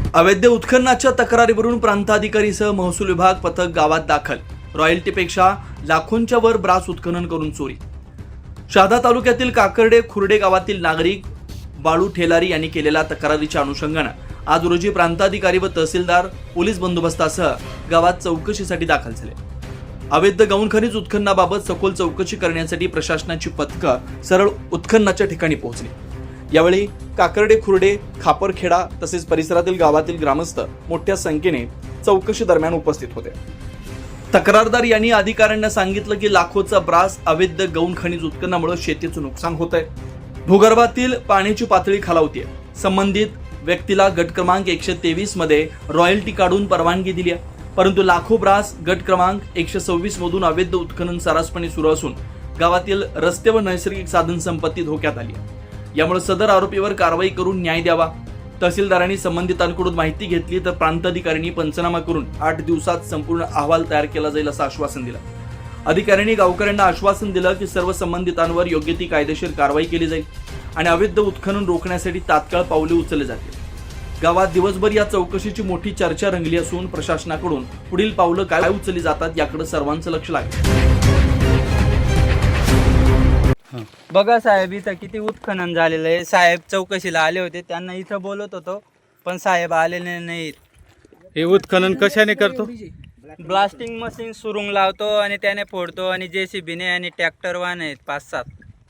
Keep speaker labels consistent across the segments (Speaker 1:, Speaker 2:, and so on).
Speaker 1: अवैध उत्खननाच्या तक्रारीवरून प्रांताधिकारीसह महसूल विभाग पथक गावात दाखल. रॉयल्टीपेक्षा लाखोंच्या वर ब्रास उत्खनन करून चोरी. शहादा तालुक्यातील काकर्डे खुर्डे गावातील नागरिक बाळू ठेलारी यांनी केलेल्या तक्रारीच्या अनुषंगाने आज रोजी प्रांताधिकारी व तहसीलदार पोलीस बंदोबस्तासह गावात चौकशीसाठी दाखल झाले. अवैध गौण खनिज उत्खननाबाबत सखोल चौकशी करण्यासाठी प्रशासनाची पथकं सरळ उत्खननाच्या ठिकाणी पोहोचली. यावेळी काकर्डे खुर्डे खापरखेडा तसेच परिसरातील गावातील ग्रामस्थ मोठ्या संख्येने चौकशी दरम्यान उपस्थित होते. तक्रारदार यांनी अधिकाऱ्यांना सांगितलं की लाखोचा ब्रास अवैध गौण खनिज उत्खननामुळे शेतीचं नुकसान होत आहे. भूगर्भातील पाण्याची पातळी खालावते. संबंधित व्यक्तीला गट क्रमांक 123 मध्ये रॉयल्टी काढून परवानगी दिली आहे, परंतु लाखो ब्रास गट क्रमांक 126 मधून अवैध उत्खनन सर्रासपणे सुरू असून गावातील रस्ते व नैसर्गिक साधन संपत्ती धोक्यात आली. यामुळे सदर आरोपीवर कारवाई करून न्याय द्यावा. तहसीलदारांनी संबंधितांकडून माहिती घेतली तर प्रांताधिकाऱ्यांनी पंचनामा करून 8 दिवसात संपूर्ण अहवाल तयार केला जाईल असं आश्वासन दिलं. अधिकाऱ्यांनी गावकऱ्यांना आश्वासन दिलं की सर्व संबंधितांवर योग्य ती कायदेशीर कारवाई केली जाईल आणि अवैध उत्खनन रोखण्यासाठी तात्काळ पावले उचलले जातील. गावात दिवसभर या चौकशीची मोठी चर्चा रंगली असून प्रशासनाकडून पुढील पावलं काय उचलली जातात याकडे सर्वांचं लक्ष लागलं.
Speaker 2: बघा साहेब, इथं किती उत्खनन झालेलं आहे. साहेब चौकशीला आले होते, त्यांना इथं बोलत होतो पण साहेब आलेले नाहीत.
Speaker 3: हे उत्खनन कशाने करतो?
Speaker 2: ब्लास्टिंग मशीन सुरुंग लावतो आणि त्याने फोडतो आणि JCBने आणि ट्रॅक्टर वाहन आहेत 5-7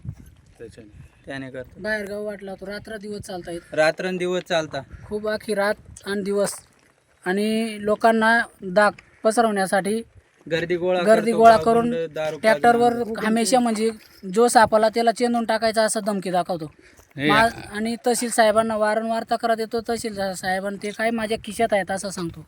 Speaker 2: त्याने करतो.
Speaker 4: बाहेर गाव वाटला तो रात्र दिवस चालता येत,
Speaker 2: रात्रंदिवस चालता.
Speaker 4: खूप आखी रात आणि दिवस आणि लोकांना दाग पसरवण्यासाठी गर्दी गोळा करून ट्रॅक्टरवर हमेशा म्हणजे जो सापाला त्याला चेंदून टाकायचा असं धमकी दाखवतो. आणि तहसील साहेबांना वारंवार तक्रार देतो. तहसील साहेबांना ते काय माझ्या खिशात आहेत असं सांगतो.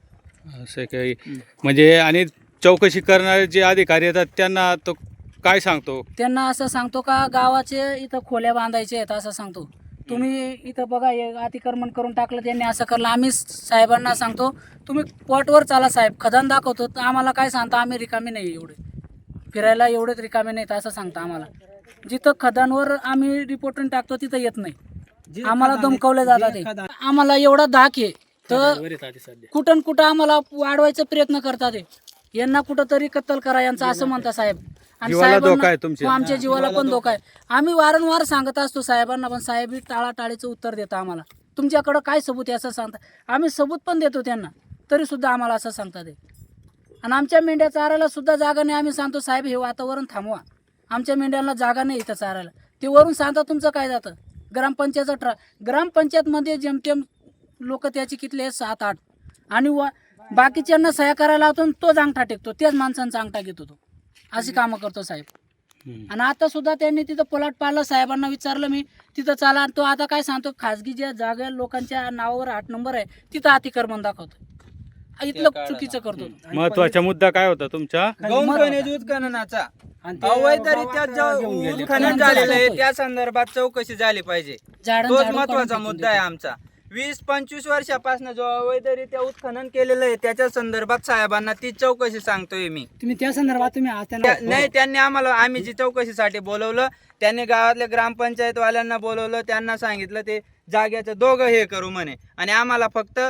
Speaker 3: असं काही म्हणजे आणि चौकशी करणारे जे अधिकारी येतात त्यांना तो काय सांगतो?
Speaker 4: त्यांना असं सांगतो का गावाचे इथं खोल्या बांधायचे आहेत असं सांगतो. तुम्ही इथं बघा हे अतिक्रमण करून टाकलं, त्यांनी असं करलं. आम्ही साहेबांना सांगतो तुम्ही पॉटवर चाला साहेब, खदान दाखवतो. तर आम्हाला काय सांगता, आम्ही रिकामी नाही, एवढे फिरायला एवढेच रिकामे नाहीत असं सांगता. आम्हाला जिथं खदानवर आम्ही रिपोर्टून टाकतो तिथं येत नाही, आम्हाला धमकावलं जातात. ते आम्हाला एवढा धाक आहे तर कुठं कुठं आम्हाला वाढवायचा प्रयत्न करतात. यांना कुठं तरी कत्तल करा यांचा असं म्हणता साहेब. आणि साहेबांना आमच्या जीवाला पण धोका आहे. आम्ही वारंवार सांगत असतो साहेबांना, पण साहेब टाळाटाळीचं उत्तर देतं आम्हाला. तुमच्याकडं काय सबूत आहे असं सांगता. आम्ही सबूत पण देतो त्यांना, तरी सुद्धा आम्हाला असं सांगतात. आणि आमच्या मेंढ्या चारायला सुद्धा जागा नाही. आम्ही सांगतो साहेब हे वातावरण थांबवा, आमच्या मेंढ्यांना जागा नाही इथं चारायला. ते वरून सांगता तुमचं काय जातं. ग्रामपंचायतचा ग्रामपंचायतमध्ये जेमतेम लोक त्याची कितले 7-8 आणि बाकीच्यांना सह्या करायला लावतो, तोच अंगठा टेकतो, त्याच माणसांचा अंगठा घेतो तो. अशी कामं करतो साहेब. आणि आता सुद्धा त्यांनी तिथं पलाट पाडलं. साहेबांना विचारलं मी तिथं चाला, तो आता काय सांगतो खाजगी ज्या जागा लोकांच्या नावावर 8 नंबर आहे तिथं अतिक्रमण दाखवतो. इथलं चुकीचं करतो.
Speaker 3: महत्वाचा मुद्दा काय होता तुमच्या?
Speaker 2: गौण खनिज उत्खननाचा अवैधरित्या उत्खनन झालेलं आहे त्या संदर्भात चौकशी झाली पाहिजे. तोच महत्वाचा मुद्दा आहे आमचा. 20-25 वर्षापासून जो अवैधरित्या उत्खनन केलेलं आहे त्याच्या संदर्भात साहेबांना ती चौकशी सांगतोय मी.
Speaker 4: तुम्ही त्या संदर्भात
Speaker 2: नाही, त्यांनी आम्हाला, आम्ही जी चौकशीसाठी बोलवलं त्यांनी गावातल्या ग्रामपंचायतवाल्यांना बोलवलं, त्यांना सांगितलं ते जाग्याचं दोघं हे करू म्हणे आणि आम्हाला फक्त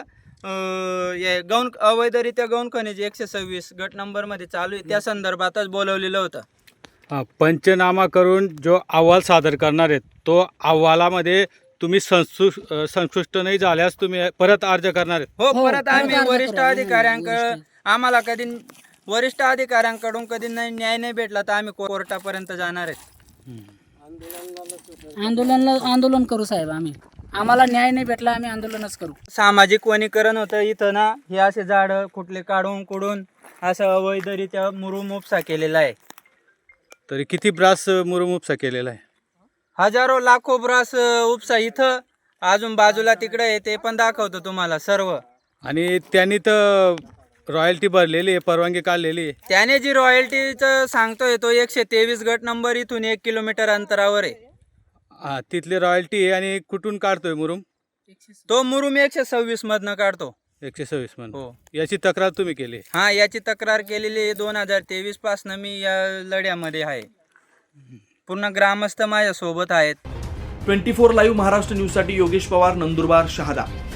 Speaker 2: गौण अवैधरित्या गौण खनिज 126 गट नंबर मध्ये चालू आहे त्या संदर्भातच बोलवलेलं होतं.
Speaker 3: पंचनामा करून जो अहवाल सादर करणार आहेत तो अहवालामध्ये तुम्ही संतुष्ट नाही झाल्यास तुम्ही परत अर्ज करणार आहेत?
Speaker 2: हो, परत आम्ही वरिष्ठ अधिकाऱ्यांकडे, आम्हाला कधी वरिष्ठ अधिकाऱ्यांकडून कधी न्याय नाही भेटला तर आम्ही कोर्टापर्यंत जाणार आहेत.
Speaker 4: आंदोलन करू साहेब. आम्हाला न्याय नाही भेटला आम्ही आंदोलनच करू.
Speaker 2: सामाजिक वनीकरण होतं इथं ना. हे असे झाड कुठले काढून कुडून असं अवैधरित्या मुरुम उपसा केलेला आहे.
Speaker 3: तरी किती ब्रास मुरुम उपसा केलेला आहे?
Speaker 2: हजारो लाखो ब्रास उपसा इथं, अजून बाजूला तिकडे आहे ते पण दाखवतो तुम्हाला सर्व.
Speaker 3: आणि त्यांनी तर रॉयल्टी भरलेली आहे, परवानगी काढलेली आहे.
Speaker 2: त्याने जी रॉयल्टीचं सांगतोय तो 123 गट नंबर इथून 1 किलोमीटर अंतरावर आहे.
Speaker 3: तिथली रॉयल्टी आहे. आणि कुठून काढतोय मुरुम?
Speaker 2: तो मुरुम 126 मधनं काढतो.
Speaker 3: 126 मधून.
Speaker 2: हो.
Speaker 3: याची तक्रार तुम्ही केली?
Speaker 2: हा, याची तक्रार केलेली आहे. 2023 पासून मी या लढ्यामध्ये आहे. पूर्ण ग्रामस्थ माझ्या सोबत आहेत.
Speaker 1: 24 लाईव्ह महाराष्ट्र न्यूजसाठी योगेश पवार, नंदुरबार, शहादा.